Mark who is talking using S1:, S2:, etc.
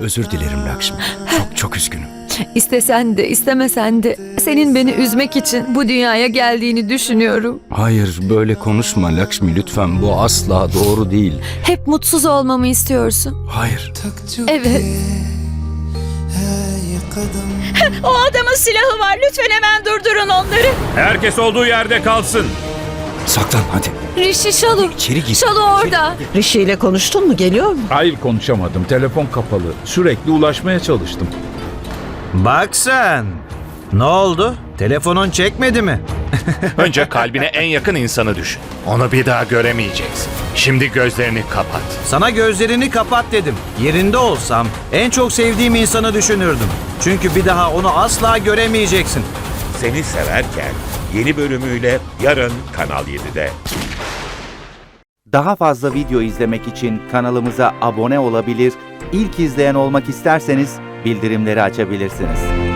S1: Özür dilerim Lakşmi. Çok çok üzgünüm.
S2: İstesen de istemesen de senin beni üzmek için bu dünyaya geldiğini düşünüyorum.
S1: Hayır, böyle konuşma Lakşmi lütfen. Bu asla doğru değil.
S2: Hep mutsuz olmamı istiyorsun.
S1: Hayır.
S2: Evet.
S3: O adamın silahı var. Lütfen hemen durdurun onları.
S4: Herkes olduğu yerde kalsın.
S1: Saklan hadi.
S2: Rishi, Shalu.
S1: İçeri gir.
S2: Shalu orada.
S5: Rishi ile konuştun mu? Geliyor mu?
S4: Hayır, konuşamadım. Telefon kapalı. Sürekli ulaşmaya çalıştım.
S6: Bak sen. Ne oldu? Telefonun çekmedi mi?
S7: Önce kalbine en yakın insanı düşün. Onu bir daha göremeyeceksin. Şimdi gözlerini kapat.
S6: Sana gözlerini kapat dedim. Yerinde olsam en çok sevdiğim insanı düşünürdüm. Çünkü bir daha onu asla göremeyeceksin.
S8: Seni Severken yeni bölümüyle yarın Kanal 7'de.
S9: Daha fazla video izlemek için kanalımıza abone olabilir, ilk izleyen olmak isterseniz bildirimleri açabilirsiniz.